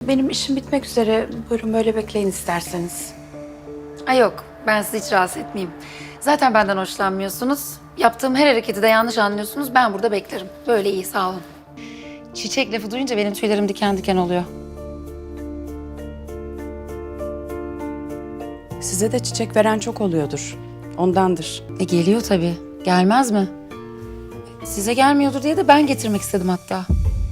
benim işim bitmek üzere. Buyurun böyle bekleyin isterseniz. Ay yok, ben sizi hiç rahatsız etmeyeyim. Zaten benden hoşlanmıyorsunuz. Yaptığım her hareketi de yanlış anlıyorsunuz. Ben burada beklerim. Böyle iyi, sağ olun. Çiçek lafı duyunca benim tüylerim diken diken oluyor. Size de çiçek veren çok oluyordur. Ondandır. Geliyor tabii. Gelmez mi? Size gelmiyordur diye de ben getirmek istedim hatta.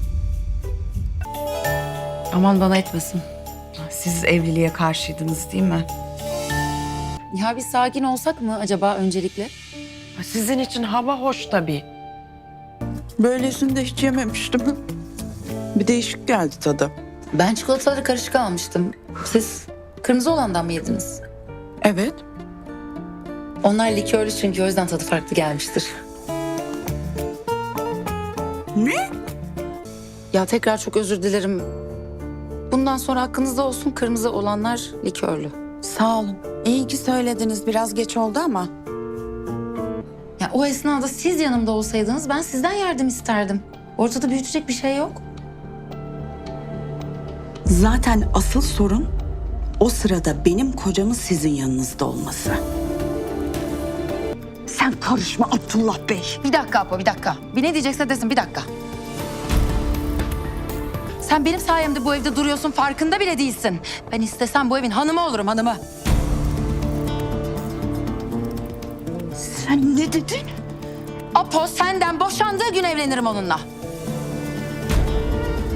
Aman bana etmesin. Siz evliliğe karşıydınız değil mi? Ya biz sakin olsak mı acaba öncelikle? Sizin için hava hoş tabii. Böylesini de hiç yememiştim. Bir değişik geldi tadı. Ben çikolataları karışık almıştım. Siz kırmızı olandan mı yediniz? Evet. Onlar likörlü çünkü o yüzden tadı farklı gelmiştir. Ne? Ya tekrar çok özür dilerim. Bundan sonra hakkınızda olsun, kırmızı olanlar likörlü. Sağ olun. İyi ki söylediniz. Biraz geç oldu ama. Ya o esnada siz yanımda olsaydınız ben sizden yardım isterdim. Ortada büyütecek bir şey yok. Zaten asıl sorun o sırada benim kocamın sizin yanınızda olması. Sen karışma Abdullah Bey. Bir dakika Apo, bir dakika. Bir ne diyecekse desin, bir dakika. Sen benim sayemde bu evde duruyorsun, farkında bile değilsin. Ben istesem bu evin hanımı olurum, hanımı. Sen ne dedin? Apo senden boşandığı gün evlenirim onunla.